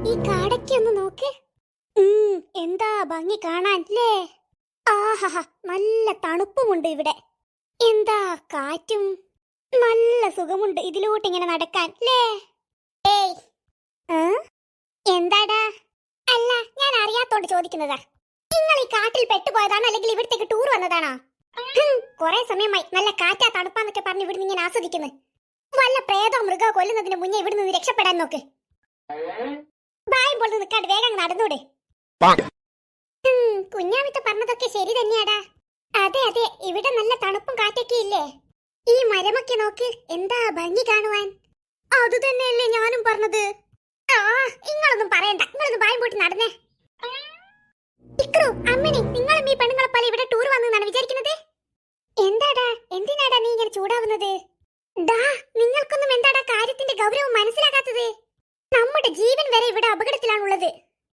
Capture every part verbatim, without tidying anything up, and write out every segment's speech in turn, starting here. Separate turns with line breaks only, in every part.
ഈ കാടൊക്കെ ഒന്ന് നോക്ക്. ഉം, എന്താ ഭംഗി കാണാൻ ല്ലേ. ആഹാ, നല്ല തണുപ്പുമുണ്ട് ഇവിടെ. എന്താ കാറ്റും, നല്ല സുഖമുണ്ട് ഇതിലൂട്ട് ഇങ്ങനെ നടക്കാൻ ല്ലേ. ഏയ്, ആ? എന്താടാ? അല്ല, ഞാൻ അറിയാത്തോണ്ട് ചോദിക്കുന്നതാ. നിങ്ങൾ ഈ കാട്ടിൽ പെട്ടുപോയതാണോ അല്ലെങ്കിൽ ഇവിടത്തേക്ക് ടൂർ വന്നതാണോ? കൊറേ സമയമായി നല്ല കാറ്റാ തണുപ്പാന്നൊക്കെ പറഞ്ഞ് ഇവിടുന്ന് ഇങ്ങനെ ആസ്വദിക്കുന്നു. വല്ല പ്രേതോ മൃഗോ കൊല്ലുന്നതിന് മുന്നേ ഇവിടെ നിന്ന് രക്ഷപ്പെടാൻ നോക്ക്. ബായും പോലെ നിൽക്കാണ്ട് വേഗം നടന്നൂടെ. കുഞ്ഞാമിത്ത പറഞ്ഞതൊക്കെ ശരി തന്നെയാടാ. അതെ അതെ, ഇവിടെ നല്ല തണുപ്പും കാറ്റൊക്കെ ഇല്ലേ. ഈ മരമൊക്കെ നോക്ക്, എന്താ ഭംഗി കാണുവാൻ. അത് തന്നെയല്ലേ ഞാനും പറഞ്ഞത്. ആ, നിങ്ങളൊന്നും പറയണ്ട, നിങ്ങളൊന്നും ബായും പോയിട്ട് നടന്നേ. ഇക്രു, അമ്മണി, നിങ്ങളും ഈ പെണ്ണുങ്ങളെ പോലെ ഇവിടെ ടൂർ വന്നെന്നാണ് വിചാരിക്കുന്നത്? എന്താടാ, എന്തിനാടാ നീ ഇങ്ങനെ ചൂടാവുന്നത്? ഡാ, നിങ്ങൾക്കൊന്നും എന്താടാ കാര്യത്തിന്റെ ഗൗരവം മനസ്സിലാക്കാത്തത്? നമ്മുടെ ജീവൻ വരെ ഇവിടെ അപകടത്തിലാണുള്ളത്.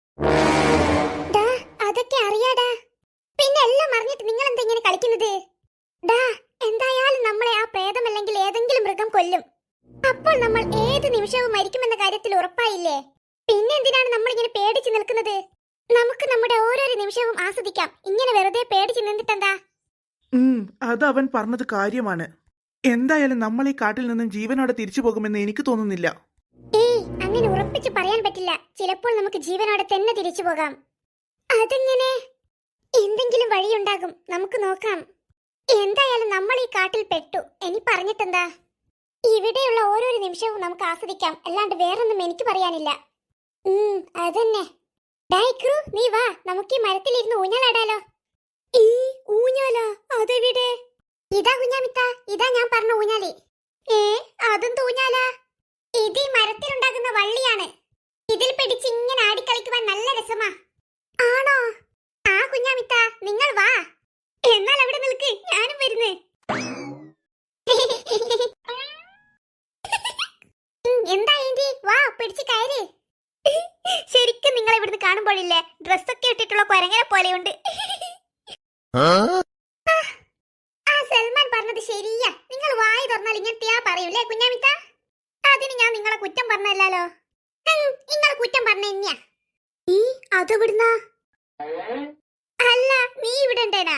ഡാ, അതൊക്കെ അറിയാടാ. പിന്നെ എല്ലാം അറിഞ്ഞിട്ട് നിങ്ങൾ എന്താ ഇങ്ങനെ കളിക്കുന്നത്? ഡാ, എന്തായാലും നമ്മളെ ആ പ്രേതമല്ലെങ്കിൽ ഏതെങ്കിലും മൃഗം കൊല്ലും. അപ്പോൾ നമ്മൾ ഏത് നിമിഷവും മരിക്കുമെന്ന കാര്യത്തിൽ ഉറപ്പായില്ലേ? പിന്നെ എന്തിനാണ് നമ്മൾ ഇങ്ങനെ പേടിച്ചു നിൽക്കുന്നത്? നമുക്ക് നമ്മുടെ ഓരോരോ നിമിഷവും ആസ്വദിക്കാം. ഇങ്ങനെ വെറുതെ പേടിച്ചു നിന്നിട്ടെന്താ?
ഉം അത് അവൻ പറഞ്ഞത് കാര്യമാണ്. എന്തായാലും നമ്മൾ ഈ കാട്ടിൽ നിന്നും ജീവനോടെ തിരിച്ചു പോകുമെന്ന് എനിക്ക് തോന്നുന്നില്ല.
ഏയ്, അങ്ങനെ ഉറപ്പിച്ച് പറയാൻ പറ്റില്ല. ചിലപ്പോൾ നമുക്ക് ജീവനോടെ തന്നെ തിരിച്ചു പോകാം. അതെങ്ങനെ? എന്തെങ്കിലും വഴിയുണ്ടാകും, നമുക്ക് നോക്കാം. എന്തായാലും നമ്മൾ ഈ കാട്ടിൽ പെട്ടു, ഇനി പറഞ്ഞിട്ടെന്താ? ഇവിടെയുള്ള ഓരോരോ നിമിഷവും നമുക്ക് ആസ്വദിക്കാം, അല്ലാണ്ട് വേറൊന്നും എനിക്ക് പറയാനില്ല. ഉം അതന്നെ. ഡൈക്രു, നീ വാ, നമുക്ക് ഈ മരത്തിലിരുന്ന് ഊഞ്ഞാലാടാലോ. ഈ ഊഞ്ഞാല അതെവിടെ? ഇതാ കുഞ്ഞാമിത്ത, ഇതാ ഞാൻ പറഞ്ഞ ഊഞ്ഞാലി. ഏ, അതും ഊഞ്ഞാല? ഇത് ഈ മരത്തിലുണ്ടാകുന്ന വള്ളിയാണ്. ഇതിൽ പിടിച്ച് ഇങ്ങനെ ആടിക്കളിക്കുവാൻ നല്ല രസമാ. ആണോ? ആ കുഞ്ഞാമിത്ത, നിങ്ങൾ വാ. എന്നാൽ അവിടെ നിൽക്ക്, ഞാനും വരുന്നേ. എന്താ ഏന്റി, വാ, പിടിച്ച് കയറി. ശരിക്കും നിങ്ങൾ ഇവിടുന്ന് കാണുമ്പോഴില്ലേ, ഡ്രസ്സൊക്കെ ഇട്ടിട്ടുള്ള കൊരങ്ങനെ പോലെയുണ്ട്. ആ സൽമാൻ പറഞ്ഞത് ശരിയാ. നിങ്ങൾ വായി തുറന്നാൽ ഇങ്ങനത്തെയാ പറയൂലേ കുഞ്ഞാമിത്ത. അതിന് ഞാൻ നിങ്ങളെ കുറ്റം പറഞ്ഞല്ലോ. നിങ്ങൾ കുറ്റം പറഞ്ഞ തന്നെയാ. നീ അതെവിടുന്ന? അല്ല, നീ ഇവിടെ ഉണ്ടേനാ?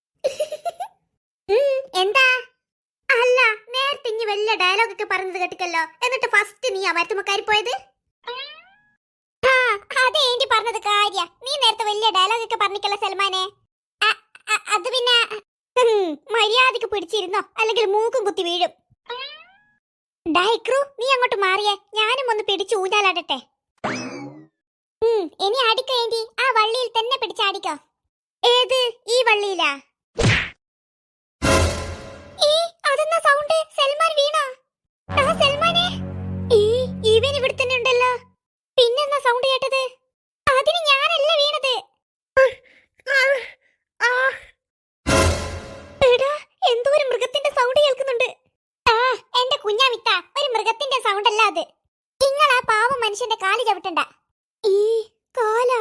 എന്താ? അല്ല, നേരത്തെ ഇനി വലിയ ഡയലോഗ് ഒക്കെ പറഞ്ഞത് കേട്ടിക്കല്ലോ. എന്നിട്ട് ഫസ്റ്റ് നീ ആ മരത്തുമക്കാരി പോയത്? ആ, അതെ ഏന്റി പറഞ്ഞത് കാര്യ. നീ നേരത്തെ വലിയ ഡയലോഗ് ഒക്കെ പറഞ്ഞിക്കല്ലോ സൽമാനെ. അത് പിന്നെ മര്യാദക്ക് പിടിച്ചിരുന്നോ, അല്ലെങ്കിൽ മൂക്കും കുത്തി വീഴും. ഡൈക്രു, നീ അങ്ങോട്ട് മാറിയേ, ഞാനും ഒന്ന് പിടിച്ചു ഊഞ്ഞാലാടട്ടെ. ഇനി അടിക്കോ ഏന്റി, ആ വള്ളിയിൽ തന്നെ പിടിച്ചാടിക്കോ. ഏത്, ഈ വള്ളിയിലാ? അതെന്നാ സൗണ്ട്? സൽമാൻ വീണോ? സൽമാനെ, ഇവൻ ഇവിടെ തന്നെ ഉണ്ടല്ലോ. പിന്നെന്നാ സൗണ്ട് കേട്ടത്? അതിന് ഞാനല്ല വീണത്. എന്തോ ഒരു മൃഗത്തിന്റെ സൗണ്ട് കേൾക്കുന്നുണ്ട്. ആ, എന്റെ കുഞ്ഞാമിത്ത, ഒരു മൃഗത്തിന്റെ സൗണ്ട് അല്ല അത്. നിങ്ങൾ ആ പാവം മനുഷ്യന്റെ കാല് ചവിട്ടണ്ട. ഈ കാലാ?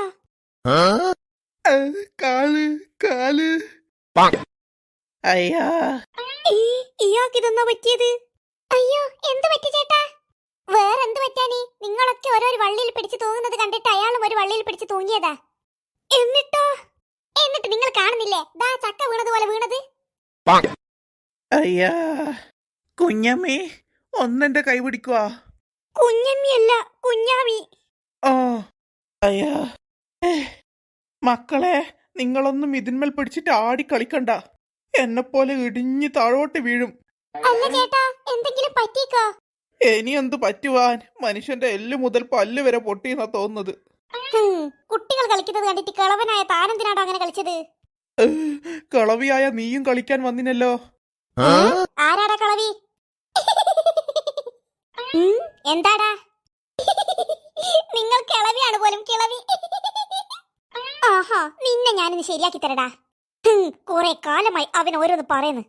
കാല് കാല് അയ്യാ,
ഇയാൾക്ക് ഇതൊന്നാ പറ്റിയത്? അയ്യോ, എന്ത് പറ്റി ചേട്ടാ? വേറെന്ത് പറ്റാനേ, നിങ്ങളൊക്കെ ഓരോരു വള്ളിയിൽ പിടിച്ച് തൂങ്ങുന്നത് കണ്ടിട്ട് അയാളും ഒരു വള്ളിയിൽ പിടിച്ച് തൂങ്ങിയതാ. എന്നിട്ടോ? എന്നിട്ട് നിങ്ങൾ കാണുന്നില്ലേ, ദാ ചക്ക വീണതുപോലെ വീണത്.
അയ്യാ, കുഞ്ഞമ്മേ, ഒന്നെന്റെ കൈ പിടിക്കുക.
കുഞ്ഞമ്മിയല്ല, കുഞ്ഞാമി.
ഓ അയ്യാ, മക്കളെ, നിങ്ങളൊന്നും ഇതിന്മേൽ പിടിച്ചിട്ട് ആടി കളിക്കണ്ട. എന്നെ പോലെ ഇടിഞ്ഞ് താഴോട്ട് വീഴും.
അല്ല ചേട്ടാ, എന്തെങ്കിലും പറ്റിക്കോ?
ഇനി എന്ത് പറ്റുവാൻ, മനുഷ്യന്റെ എല്ല് മുതൽ പല്ല് വരെ പൊട്ടിയെന്നാ തോന്നുന്നത്.
കുട്ടികൾ കളിക്കുന്നത് കണ്ടിട്ട് കളവനായ താനെന്തിനാണോ അങ്ങനെ കളിച്ചത്?
കളവിയായ നീയും കളിക്കാൻ വന്നിനല്ലോ.
ആരാടാ കളവി? എന്താടാ? നിങ്ങൾ കിളവിയാണ് പോലും, കിളവി. ആഹാ, നിന്നെ ഞാനിന്ന് ശരിയാക്കി തരടാ. കുറെ കാലമായി അവൻ ഓരോന്ന് പറയുന്നു.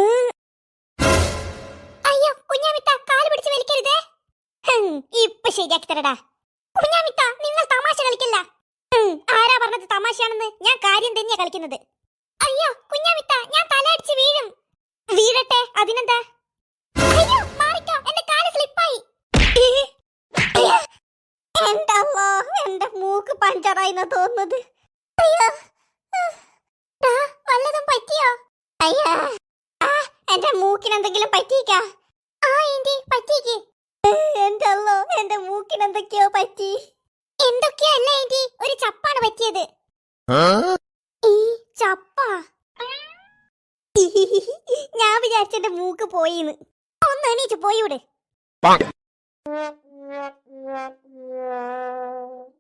അയ്യോ കുഞ്ഞാമിത്ത, കാല് പിടിച്ച് വലിക്കരുതേ. ഇപ്പൊ ശരിയാക്കി തരടാ. കുഞ്ഞാമിത്ത, നിങ്ങൾ തമാശ കളിക്കല്ല. ആരാ പറഞ്ഞത് തമാശയാണെന്ന്? ഞാൻ കാര്യം തന്നെയാ കളിക്കുന്നത്. അയ്യോ കുഞ്ഞാമിത്ത, ഞാൻ തലയടിച്ച് വീഴും. വീഴട്ടെ, അതിനെന്താ? അയ്യോ മാറിക്കോ, എന്റെ കാല് സ്ലിപ്പായി. എന്റെ അമ്മോ, എന്റെ മൂക്ക് പഞ്ചറായിന്നാ തോന്നുന്നത്. അയ്യോ, ദാ, വല്ലതും പറ്റിയോ? അയ്യാ, ആ, എന്റെ മൂക്കിന് എന്തെങ്കിലും പറ്റിയിക്കാ? ആ ആന്റി, പറ്റിക്ക്. എന്റെ അല്ലോ, എന്റെ മൂക്കിന് എന്തൊക്കെയോ പറ്റി. എന്തൊക്കെയോ അല്ല ആന്റി, ഒരു ചപ്പാണ് പറ്റിയത്. ഈ ചപ്പ? ഞാൻ വിചാരിച്ചെന്റെ മൂക്ക് പോയിന്ന്. ഒന്ന് എണീച്ച് പോയൂടെ?